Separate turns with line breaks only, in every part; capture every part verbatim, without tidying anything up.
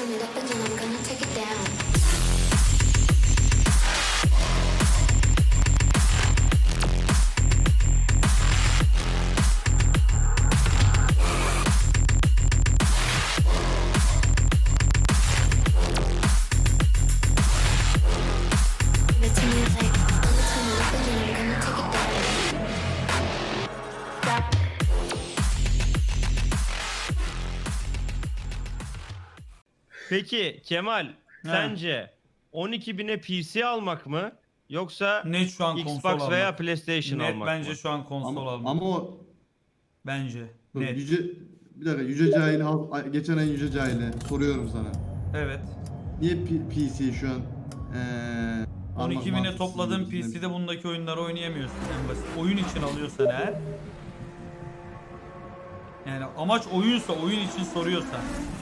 turn it up and then I'm gonna take it down. Give it to me like, I'ma turn it up and then I'm gonna take it down. Stop.
Peki Kemal, sence on iki bine P C almak mı yoksa
Net şu an konsol
Xbox
almak.
veya PlayStation
Net
almak
bence
mı?
şu an konsol
Ama,
almak.
ama o
Bence.
dur,
Net.
yüce bir dakika Yüce Cahil Halk- geçen ay Yüce Cahil'e soruyorum sana.
Evet.
Niye P- PC şu an eee
on iki
almak
bine
mantıksız
topladığın
gibi
P C'de
düşünüyorum.
bundaki oyunları oynayamıyorsun en basit. Oyun için alıyorsan eğer. Yani amaç oyunsa, oyun için soruyorsan.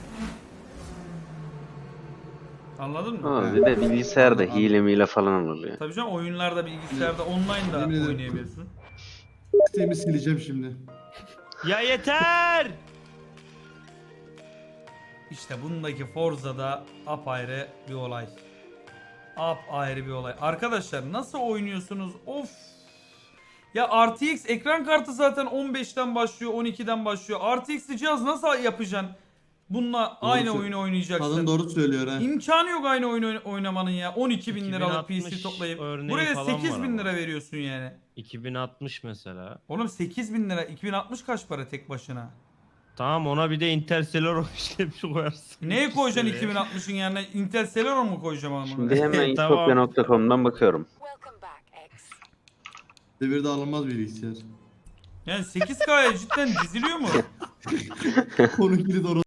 Anladın mı?
Ama bir de bilgisayarda
Anladım.
hile mile falan oluyor.
Tabii canım oyunlarda bilgisayarda online da
Yemin ederim.
oynayabiliyorsun.
Steam'i sileceğim şimdi.
Ya yeter!
İşte bundaki Forza'da apayrı bir olay. Apayrı bir olay. Arkadaşlar nasıl oynuyorsunuz? Of. Ya R T X ekran kartı zaten on beşten başlıyor, on ikiden başlıyor. R T X'li cihaz nasıl yapacaksın? Bununla
Doğru
aynı
sö-
oyunu oynayacaksın.
Kadın doğru söylüyor ha.
İmkanı yok aynı oyunu oyn- oynamanın ya. on iki bin liralık P C
iki bin altmış
toplayıp.
örneği
Buraya
falan
sekiz
var
bin
ama.
lira veriyorsun yani.
iki bin altmış mesela.
Oğlum sekiz bin lira. iki bin altmış kaç para tek başına?
Tamam, ona bir de Interstellar işlemci koyarsın.
Neye koyacaksın
İşte.
iki bin altmışın yerine? Intel Celeron mu koyacağım ama?
Şimdi hemen
Tamam.
itopya nokta com'dan bakıyorum.
Welcome back, X.
Devirde alınmaz bilgisayar.
Yani sekiz K'ya cidden diziliyor mu?
Onunkini doğru.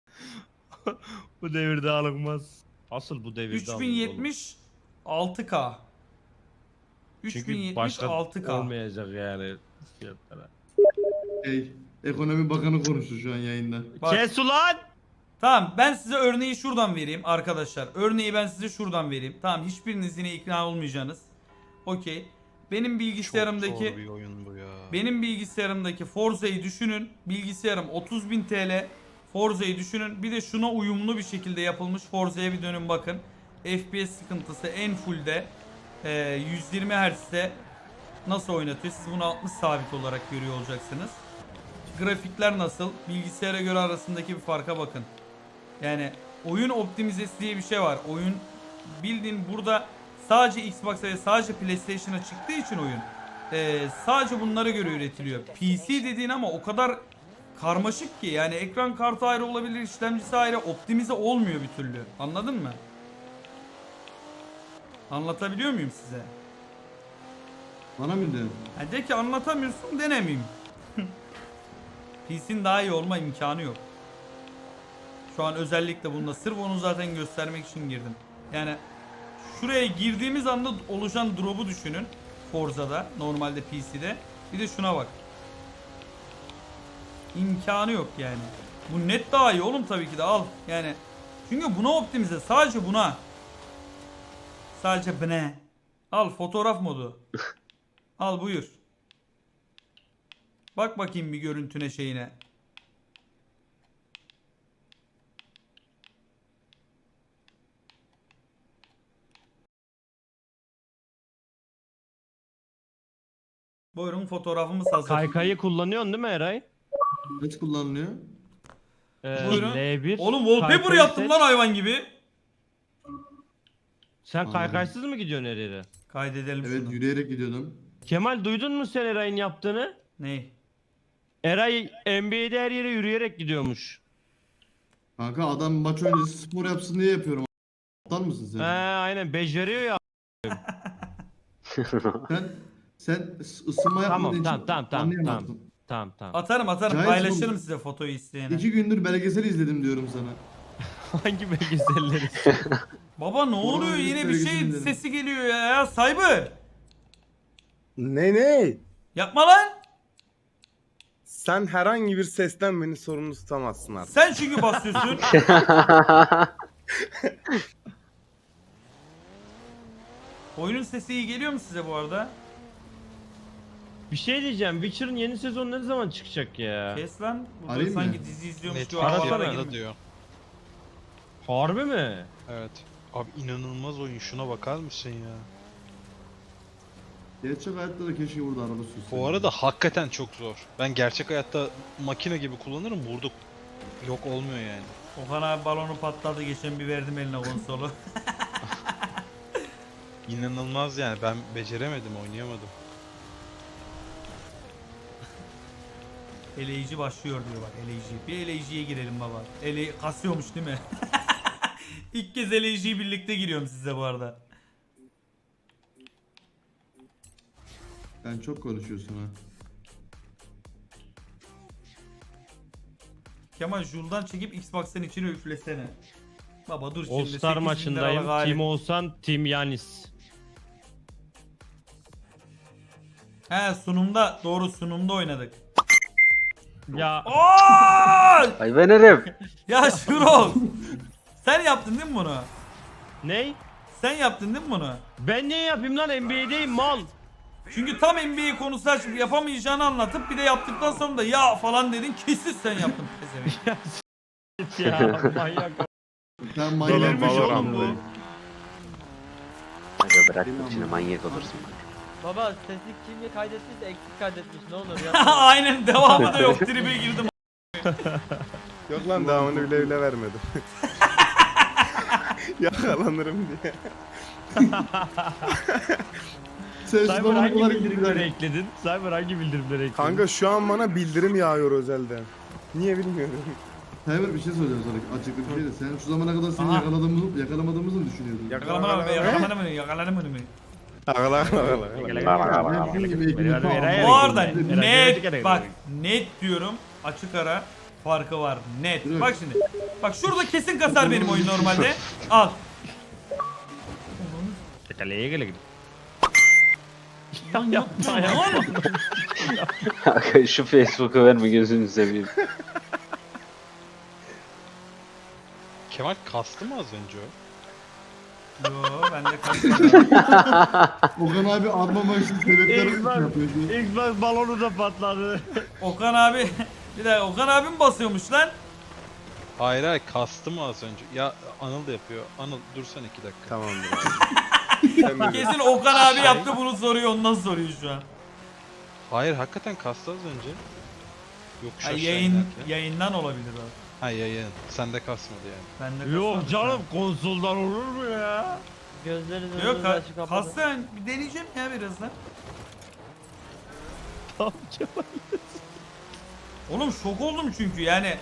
Bu devirde alınmaz. Asıl bu devirde
üç bin
alınır
yetmiş altı K.
oğlum.
üç bin
Çünkü
yetmiş
başka
altı K.
olmayacak yani fiyatlara.
Şey, Ekonomi Bakanı konuştu şu an yayında.
Bak.
Kes ulan!
Tamam ben size örneği şuradan vereyim arkadaşlar. Örneği ben size şuradan vereyim. Tamam hiçbiriniz yine ikna olmayacaksınız. Okey. Benim bilgisayarımdaki
Çok zor bir oyun bu ya.
benim bilgisayarımdaki Forza'yı düşünün. Bilgisayarım otuz bin T L. Forza'yı düşünün. Bir de şuna uyumlu bir şekilde yapılmış Forza'ya bir dönün bakın. F P S sıkıntısı en fullde e, yüz yirmi Hz'de nasıl oynatıyor? Siz bunu altmış sabit olarak görüyor olacaksınız. Grafikler nasıl? Bilgisayara göre arasındaki bir farka bakın. Yani oyun optimizesi diye bir şey var. Oyun bildiğin burada sadece Xbox'a ve sadece PlayStation'a çıktığı için oyun e, sadece bunlara göre üretiliyor. P C dediğin ama o kadar karmaşık ki yani ekran kartı ayrı olabilir, işlemcisi ayrı, optimize olmuyor bir türlü. Anladın mı? Anlatabiliyor muyum size?
Bana mı diyorsun?
Ha de ki anlatamıyorsun denemeyeyim. P C'nin daha iyi olma imkanı yok. Şu an özellikle bunda sırf onu zaten göstermek için girdim. Yani şuraya girdiğimiz anda oluşan drop'u düşünün. Forza'da, normalde P C'de. Bir de şuna bak. İmkanı yok yani. Bu net daha iyi oğlum tabii ki de al. Yani çünkü buna optimize, sadece buna. Sadece bune. Al fotoğraf modu. Al buyur. Bak bakayım bir görüntüne şeyine. Buyurun fotoğrafımız hazır.
Kaykayı kullanıyorsun değil mi Eray?
Kaç kullanılıyor?
Ee,
Buyurun.
L bir.
Oğlum wallpaper
Kaykayı
yaptım
seç.
lan hayvan gibi.
Sen
Anladım.
kaykaysız mı gidiyorsun her yere?
Kaydedelim
Evet
şunu.
yürüyerek gidiyordum.
Kemal, duydun mu sen Eray'ın yaptığını?
Ney?
Eray N B A'de her yere yürüyerek gidiyormuş.
Kanka adam maç öncesi spor yapsın diye yapıyorum. Aptal mısın sen?
He aynen beceriyor ya.
Sen sen ısınma
Tamam
yapmadığın
tamam
için
tamam tamam
anlayamazsın.
tamam. Tamam tamam.
Atarım atarım
Cahil
paylaşırım
oğlum.
size fotoyu isteyene.
İki gündür belgesel izledim diyorum sana.
Hangi belgeselleri?
Baba ne oluyor
Koronavirüs
yine bir şey
belgeseli dedim.
sesi geliyor ya, ya Cyber.
Ne ne?
Yapma lan.
Sen herhangi bir sesten beni sorumlu tutamazsın artık.
Sen çünkü basıyorsun. Oyunun sesi iyi geliyor mu size bu arada?
Bir şey diyeceğim. Witcher'ın yeni sezonu ne zaman çıkacak ya?
Kes lan. Burada
Arayayım
sanki
mı?
dizi izliyormuş
Net
gibi
Arasana
havalara
ya.
girme.
diyor.
Harbi mi?
Evet. Abi inanılmaz oyun. Şuna bakar mısın ya?
Gerçek hayatta da keşke burada araba sürseydim.
Bu arada hakikaten çok zor. Ben gerçek hayatta makine gibi kullanırım. Burada yok olmuyor yani.
Okan abi balonu patladı, geçen bir verdim eline konsolu.
İnanılmaz yani. Ben beceremedim, oynayamadım.
Eleyici başlıyor diyor bak, eleyici. Bir eleyiciye girelim baba. Ele kasıyormuş değil mi? İlk kez eleyiciyi birlikte giriyorum size bu arada.
Sen çok konuşuyorsun ha.
Kemal Jul'dan çekip Xbox'ın içine üflesene. Baba dur şimdi.
All Star maçındayım. Team Oğuzhan, Team Yanis.
He sunumda, doğru sunumda oynadık.
Ya
Oy!
Ay ben herif.
Ya Şurol. Sen yaptın değil mi bunu?
ney?
Sen yaptın değil mi bunu?
Ben ne yapayım lan, N B A'deyim mal.
Çünkü tam N B A konusu açıp yapamayacağını anlatıp bir de yaptıktan sonra da ya falan dedin, kesin sen yaptın pezevenk.
Ya manyak.
Sen
Delirmiş
manyak
oğlum bu.
Aga bırak içine manyak olursun bak.
Baba sesi kimle kaydettiyse eksik kaydetmiş, ne olur ya.
Aynen, devamı da yok, tribe girdim.
Yok lan devamını bile bile vermedim. Yakalanırım diye.
Sen şu
Cyber
zamana
hangi
kadar
bildirimleri
gidiyor.
ekledin? Cyber hangi bildirimleri ekledin?
Kanka şu an bana bildirim yağıyor özelden. Niye bilmiyorum.
Cyber bir şey söyleyeceğim sana. Açıklık bir şey de. Sen şu zamana kadar seni
Aha.
yakaladığımızı, yakalamadığımızı mı düşünüyordun?
Yakalamadım mı? Yakalamadım mı? Yakalamadım mı?
Ağla ağla ağla.
Benim gibi ekmeği tamam.
Bu arada
Merak
net,
ettim.
bak net diyorum, açık ara farkı var, net.
Evet.
Bak şimdi, bak şurada kesin kasar benim oyun normalde. Al.
Kaleye gele gele.
Lan yapma ya.
Aga şu Facebook'u verme gözünü seveyim.
Kemal kastı mı az önce o?
Yo, ben de kasıyorum.
Okan abi armama için sebepler
Xbox,
yapıyordu.
Xbox balonu da patladı.
Okan abi, bir dakika, Okan abi mi basıyormuş lan?
Hayır hayır kastı mı az önce? Ya Anıl da yapıyor. Anıl dursan iki dakika.
Tamamdır abi. Sen de-
Kesin Okan abi yaptı bunu, soruyor, ondan soruyor şu an.
Hayır hakikaten kastı az önce. Yokuş
Ha,
aşağı
yayın,
inerken.
yayından olabilir o.
Ha yayın. Sende kasmadı yani.
Ben de
Yok
kasmadım.
canım, konsoldan olur mu ya?
Gözleriniz
Yok,
önünüzü
ka
açık kapadı.
kassa bir deneyeceğim ya birazdan.
Tamam Kemal.
Oğlum şok oldum çünkü yani.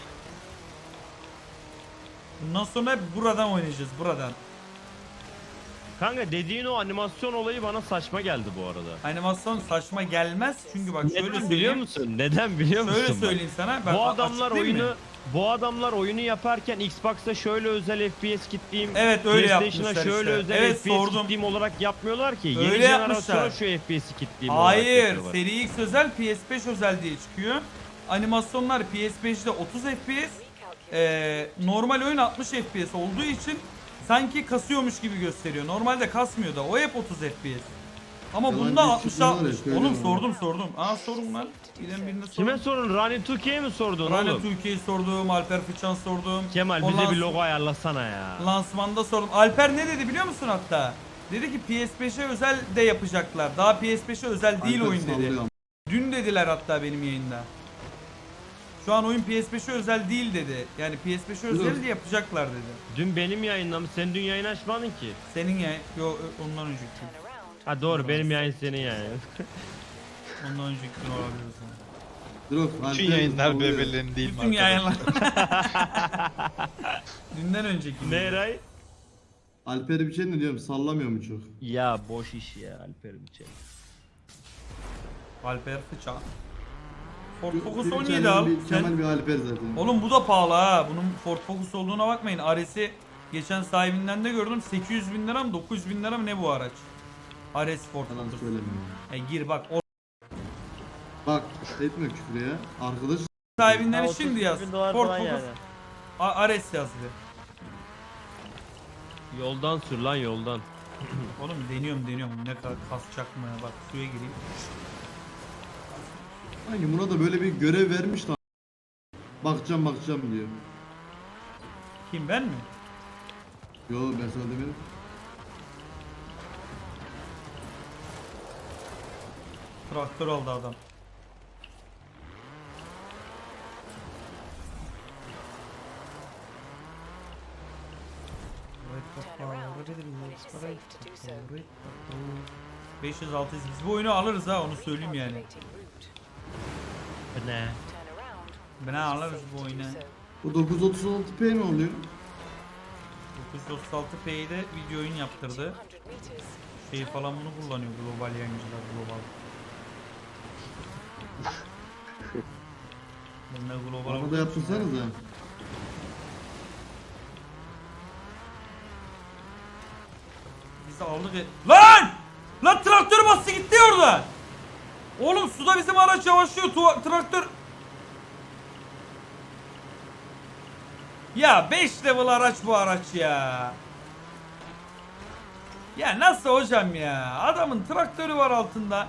Bundan sonra hep buradan oynayacağız, buradan.
Kanka dediğin o animasyon olayı bana saçma geldi bu arada.
Animasyon saçma gelmez çünkü bak şöyle
Neden
söyleyeyim.
biliyor musun? Neden biliyor musun?
Şöyle
bak?
söyleyeyim sana. Ben
Bu
a-
adamlar
açıklayayım
oyunu
mı?
bu adamlar oyunu yaparken Xbox'ta şöyle özel F P S kitleyeyim.
Evet, öyle
PlayStation'a
yapmışlar
şöyle
işte.
özel
Evet,
F P S
sordum.
kitleyeyim olarak yapmıyorlar ki.
Öyle
Yeni jenerasyona
yapmışlar.
şu F P S'i kitleyeyim olarak
Hayır,
yapıyorlar.
Seri X özel, P S beş özel diye çıkıyor. Animasyonlar P S beşte otuz F P S, ee, normal oyun altmış F P S olduğu için sanki kasıyormuş gibi gösteriyor. Normalde kasmıyor da, o hep otuz F P S. Ama
Yalan
bunda
bir
altmış
çıkmıyor
altmış.
ya, söylüyorum
Oğlum
ama.
sordum sordum. Aa sorun lan. Bilen birine sordum.
Kime sorun? Rani Türkiye'ye mi sordun
Rane
oğlum?
Türkiye'yi sordum, Alper Fıçan sordum.
Kemal
O
bize bir
lans-
logo ayarlasana ya.
Lansmanda sordum. Alper ne dedi biliyor musun hatta? Dedi ki P S beşe özel de yapacaklar. Daha P S beşe özel değil
Alper
oyun dedi.
sallıyor.
Dün dediler hatta benim yayında. Şu an oyun P S beşe özel değil dedi. Yani P S beşe özel de yapacaklar dedi.
Dün benim yayınlamış. Sen dün yayın açmadın ki.
Senin yayın, yo ondan önceki.
Ha doğru, benim yayın senin yayın.
Ondan önceki gün olabilir o zaman.
Drog,
Bütün
Alper
yayınlar
sallıyor.
birbirlerinin değil mi
Bütün yayınlar.
arkadaşlar?
Dünden önceki gün.
Ne Eray?
Alper'e bir şey ne diyorum, sallamıyor mu çok?
Ya boş iş ya Alper'im için.
Alper Fıçan. Ford Focus
Bir
on yedi
Kemal
al.
bir-
Sen...
Kemal bir Alper zaten.
Oğlum bu da pahalı ha. Bunun Ford Focus olduğuna bakmayın. Ares'i geçen sahibinden de gördüm. sekiz yüz bin lira mı dokuz yüz bin lira mı ne bu araç? Ares Ford
Yalan
Focus.
söylemiyorum.
E gir bak. O
Bak etme küfür ya. Arkadaş
sahibinden
Ha,
şimdi
otuz
yaz.
bin dolar
Ford
falan
Focus.
yani.
A- Ares yaz bir.
Yoldan sür lan yoldan.
Oğlum deniyorum deniyorum. Ne kadar kasacak mı ya? Bak suya gireyim.
sanki buna da böyle bir görev vermiş lan. Bakacağım bakacağım diyor.
Kim ben mi?
Yo ben sana demedim.
Traktör aldı adam. beş yüz altı yüz biz bu oyunu alırız ha, onu söyleyeyim yani.
Bu ne?
Ben alırız bu oyunu.
Bu dokuz otuz altı p ne oluyor?
dokuz yüz otuz altı P'yi de video oyun yaptırdı. Şey falan bunu kullanıyor global yayıncılar, global. Ben de global.
Bana da yaptırsanız ha.
Biz de aldık e... Lan! Lan traktör bastı gitti orada. Oğlum suda bizim araç yavaşlıyor. Tuva- traktör... Ya beş level araç bu araç ya. Ya nasıl hocam ya? Adamın traktörü var altında.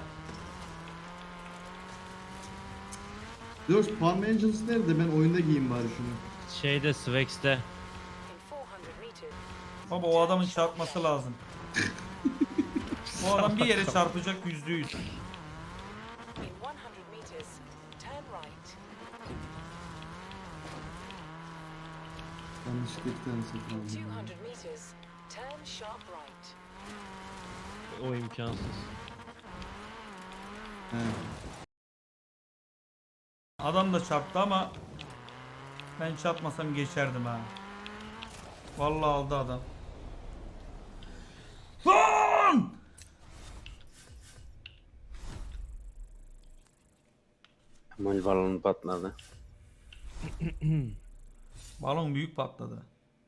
Diyoruz Palm Angels nerede? Ben oyunda giyeyim bari şunu.
Şeyde Swex'te.
Baba o adamın çarpması lazım. O adam bir yere çarpacak yüzde yüz.
Yanlışlıkla iki tane satın aldım.
O imkansız.
He.
Adam da çarptı ama ben çarpmasam geçerdim ha. Vallahi aldı adam. Lan!
Kemal balonu patladı.
Balon büyük patladı.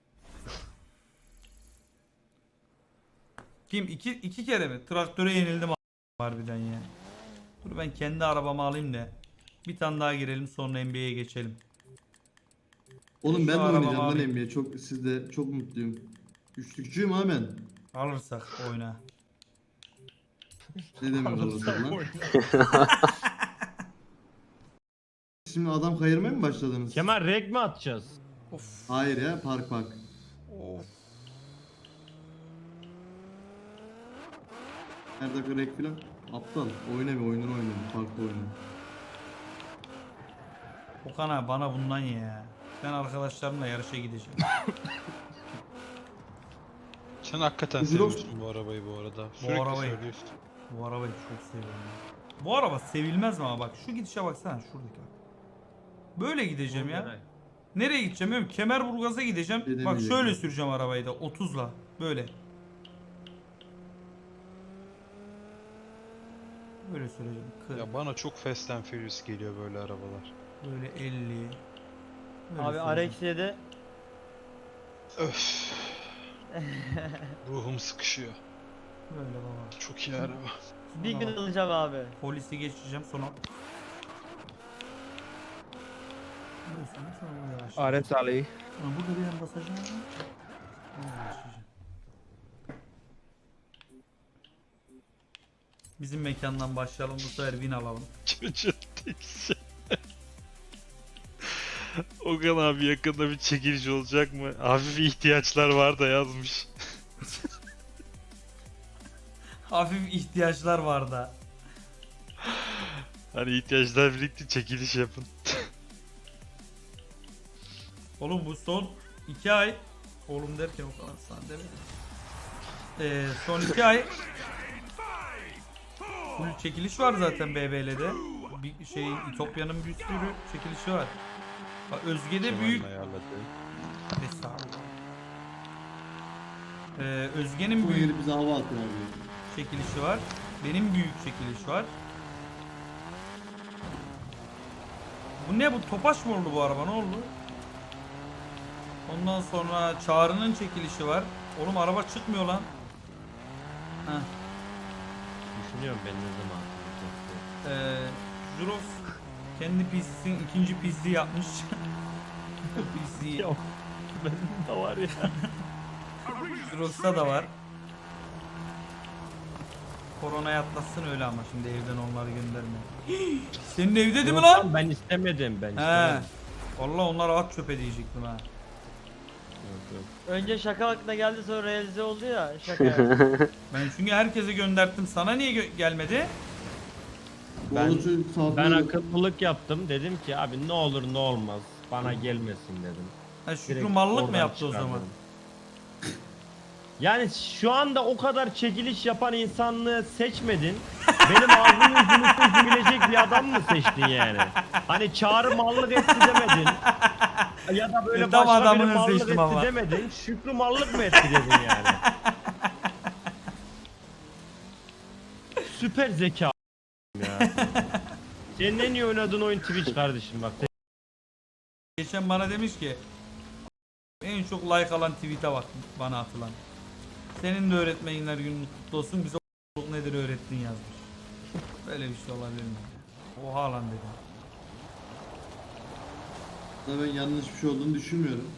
Kim? İki, iki kere mi? Traktöre yenildim a- harbiden ya. Dur ben kendi arabamı alayım da bir tane daha girelim, sonra N B A'ye geçelim.
Oğlum
Şu
ben de
arabamı
oynayacağım lan
alayım.
N B A. Çok sizde çok mutluyum. Üçlükçüyüm ha ben.
Alırsak oyna.
Ne demek alırsak lan? Şimdi adam kayırmaya mı başladınız?
Kemal reg mi atacağız?
Of.
Hayır ya park park.
Of.
Her dakika rek filan. Aptal. Oyna bir oyununu oyna. Parkta oyna.
Okan abi bana bundan ye ya. Ben arkadaşlarımla yarışa gideceğim.
Sen hakikaten
Üzülüyor
seviyorsun bu arabayı bu arada.
Bu
Sürekli
arabayı.
söylüyorsun.
Bu arabayı çok seviyorum. ya. Bu araba sevilmez mi ama bak şu gidişe baksana şuradaki bak. Böyle gideceğim ya. Nereye gideceğim bilmiyorum. Kemerburgaz'a gideceğim.
Gidemeyecek
Bak şöyle
mi?
süreceğim arabayı da otuzla. Böyle. Böyle süreceğim. kırk.
Ya bana çok Fast and Furious geliyor böyle arabalar.
Böyle elli. Böyle
Abi
süreceğim.
R X yedi
Öf. Ruhum sıkışıyor.
Böyle baba.
Çok iyi araba.
bir gün alacağım abi.
Polisi geçeceğim sonra. Böyle süreceğim, sonra yavaş.
Ares Ali.
Ulan burada bir yan basacağım. Sonra başlayacağım. Bizim mekandan başlayalım, bu sefer win alalım.
Çocuğun tekisi. Okan abi yakında bir çekiliş olacak mı? Hafif ihtiyaçlar var da yazmış.
Hafif ihtiyaçlar var da.
Hani ihtiyaçlar birlikte çekiliş yapın.
Oğlum bu son iki ay. Oğlum derken o kadar sana demedim. Ee, son iki ay. Full çekiliş var zaten B B L'de. Bir şey İtopya'nın bir sürü çekilişi var. Bak Özge'de büyük. Estağfurullah. Ee, Özge'nin
Bu
büyük
yeri bize hava atıyor abi.
çekilişi var. Benim büyük çekiliş var. Bu ne bu? Topaç mı oldu bu araba? Ne oldu? Ondan sonra Çağrı'nın çekilişi var. Oğlum araba çıkmıyor lan. Heh.
Düşünüyorum ben ne zaman.
Ee, Jurox kendi P C'sinin ikinci P C yapmış. P C.
Yok. Benim de var ya.
Jurox'ta da var. Koronayı atlatsın öyle ama şimdi evden onları gönderme. Senin evde değil mi
Yok
lan?
Ben istemedim ben
He.
istemedim.
Vallahi onlara at çöpe diyecektim ha.
Önce şaka aklına geldi sonra realize oldu ya şaka.
Ben çünkü herkese gönderttim. Sana niye gö- gelmedi?
Ben-
Ben, saat
Ben akıllılık yaptım. Dedim ki abi ne olur ne olmaz. Bana gelmesin dedim.
Ha, Şükrü
Direkt
mallık mı
oradan
yaptı o zaman?
çıkardım. Yani şu anda o kadar çekiliş yapan insanlığı seçmedin. Benim ağzımın yüzünü seçebilecek bir adam mı seçtin yani? Hani Çağrı mallık etti demedin. Ya da böyle
E, tam
başka biri
adamını
mallık
seçtim
etti
ama.
demedin. Şükrü mallık mı etti dedin yani? Süper zeka ya. Senin en iyi oynadığın oyun Twitch kardeşim bak.
Geçen bana demiş ki en çok like alan tweet'e bak bana atılan. Senin de öğretmenler günün kutlu olsun. Bize o nedir öğrettin yazmış. Böyle bir şey olabilir mi? Oha lan dedim.
ben yanlış bir şey olduğunu düşünmüyorum.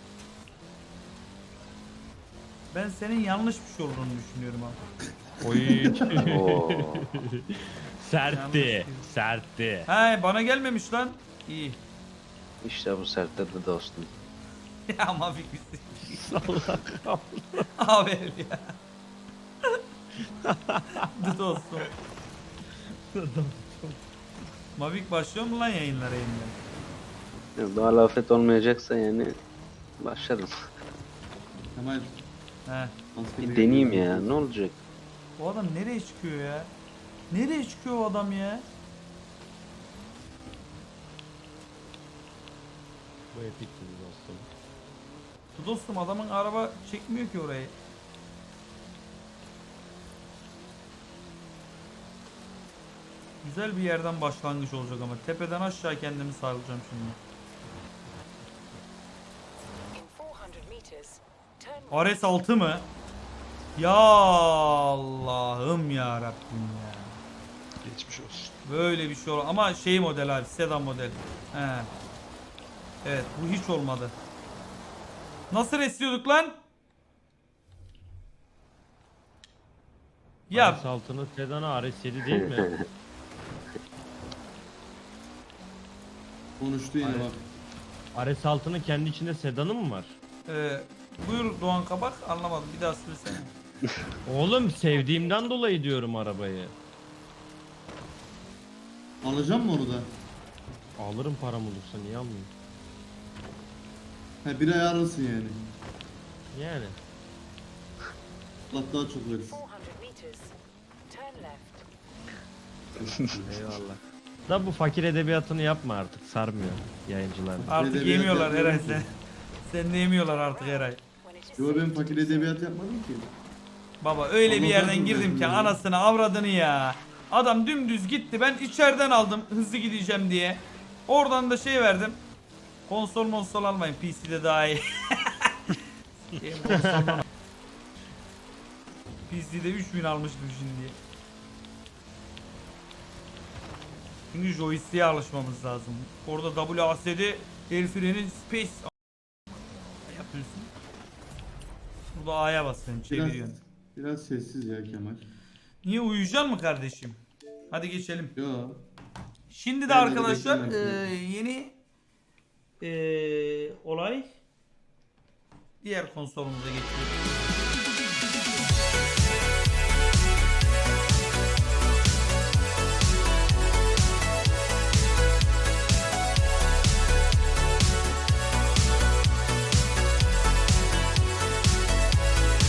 Ben senin yanlış bir şey olduğunu düşünüyorum abi.
Oy.
Oo.
sertti. Sertti.
He bana gelmemiş lan. İyi.
İşte bu sertledi dostum.
Ya Mavik bitti.
Salak.
Abi herif ya. Dı dostum. Mavik başlıyor mu lan yayınlara yeniden?
Ya, doğal afet olmayacaksa yani başlarım.
Kemal.
He.
askeri
Bir deneyeyim
geliyor.
ya, ne olacak?
O adam nereye çıkıyor ya? Nereye çıkıyor o adam ya?
Bu epikti dostum.
Dı dostum adamın araba çekmiyor ki orayı. Güzel bir yerden başlangıç olacak ama tepeden aşağı kendimi sarılacağım şimdi. R S altı mı? Ya Allah'ım ya Rabbim ya.
Geçmiş olsun.
Böyle bir şey ol ama şey model abi, sedan model. He. Evet, bu hiç olmadı. Nasıl resliyorduk lan? Ya
R S altının sedanı R S yedi değil mi?
Konuştu yine bak.
R S altının kendi içinde sedanı mı var?
e, buyur Doğan Kabak, anlamadım, bir daha söylesene.
Oğlum sevdiğimden dolayı diyorum arabayı.
Alacağım mı onu da?
Alırım param olursa niye almayayım?
He bir ay arasın yani.
Yani.
Allah daha çok versin.
Eyvallah. Da bu fakir edebiyatını yapma artık, sarmıyor yayıncılar.
Artık
Edebiyat
yemiyorlar Eray
yapmıyorum
sen. Sen de yemiyorlar artık Eray.
Yo ben fakir edebiyat yapmadım ki.
Baba öyle bir
Ama
yerden
zaten
girdim ki
ben-
anasını avradını ya. Adam dümdüz gitti, ben içeriden aldım hızlı gideceğim diye. Oradan da şey verdim. Konsol monsol almayın, P C'de daha iyi. Sikeyim konsoldan. P C'de üç bin almıştım şimdi. Çünkü joystick'e alışmamız lazım. Orada W A S D el freni space yapıyorsun. Burada A'ya basıyorsun,
Biraz,
çeviriyorsun.
biraz sessiz ya Kemal.
Niye, uyuyacaksın mı kardeşim? Hadi geçelim.
Yo.
Şimdi de
Ben de
arkadaşlar
beklemem.
eee, yeni eee, olay diğer konsolumuza geçiyoruz.